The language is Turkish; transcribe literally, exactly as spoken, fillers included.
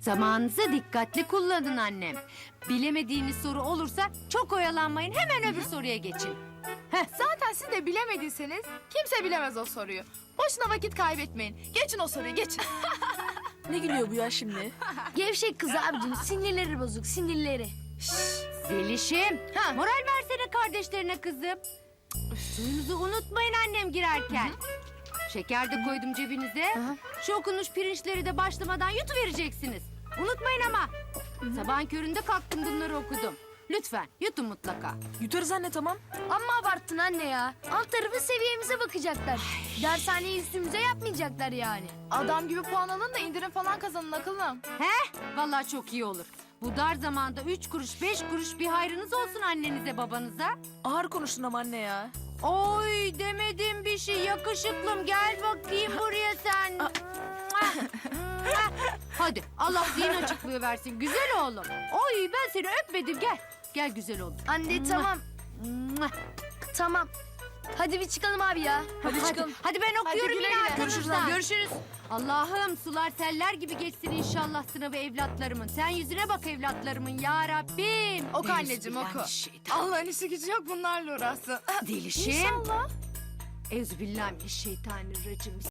Zamanınızı dikkatli kullanın annem. Bilemediğiniz soru olursa çok oyalanmayın, hemen öbür soruya geçin. Zaten siz de bilemediyseniz kimse bilemez o soruyu. Boşuna vakit kaybetmeyin. Geçin o soruyu geçin. Ne gülüyor bu ya şimdi? Gevşek kız abicim, sinirleri bozuk, sinirleri. Zelişim, Ha. moral versene kardeşlerine kızım. Suyunuzu unutmayın annem girerken. Şeker de koydum cebinize. Şu okunmuş pirinçleri de başlamadan yutuvereceksiniz. Unutmayın ama. Sabahın köründe kalktım bunları okudum. Lütfen yutun mutlaka. Yutarız anne, tamam. Amma abarttın anne ya. Alt tarafı seviyemize bakacaklar. Dershaneyi üstümüze yapmayacaklar yani. Adam gibi puan alın da indirim falan kazanın akıllım. He? Vallahi çok iyi olur. Bu dar zamanda üç kuruş beş kuruş bir hayrınız olsun annenize babanıza. Ağır konuştun ama anne ya. Oy demedim bir şey yakışıklım, gel bakayım buraya sen. Hadi Allah zihin açıklığı versin güzel oğlum. Oy ben seni öpmedim, gel. Gel güzel oğlum. Anne tamam, tamam. Hadi bir çıkalım abi ya. Hadi, Hadi, çıkalım. hadi ben okuyorum güle yine güle. arkadaşlar. Görüşürüz. Allah'ım sular seller gibi geçsin inşallah sınavı evlatlarımın. Sen yüzüne bak evlatlarımın ya Rabbim. Oku anneciğim oku. Allah'ın işi gücü yok bunlarla uğraşsın. Delişim. İnşallah. Euzubillahimineşşeytanirracim.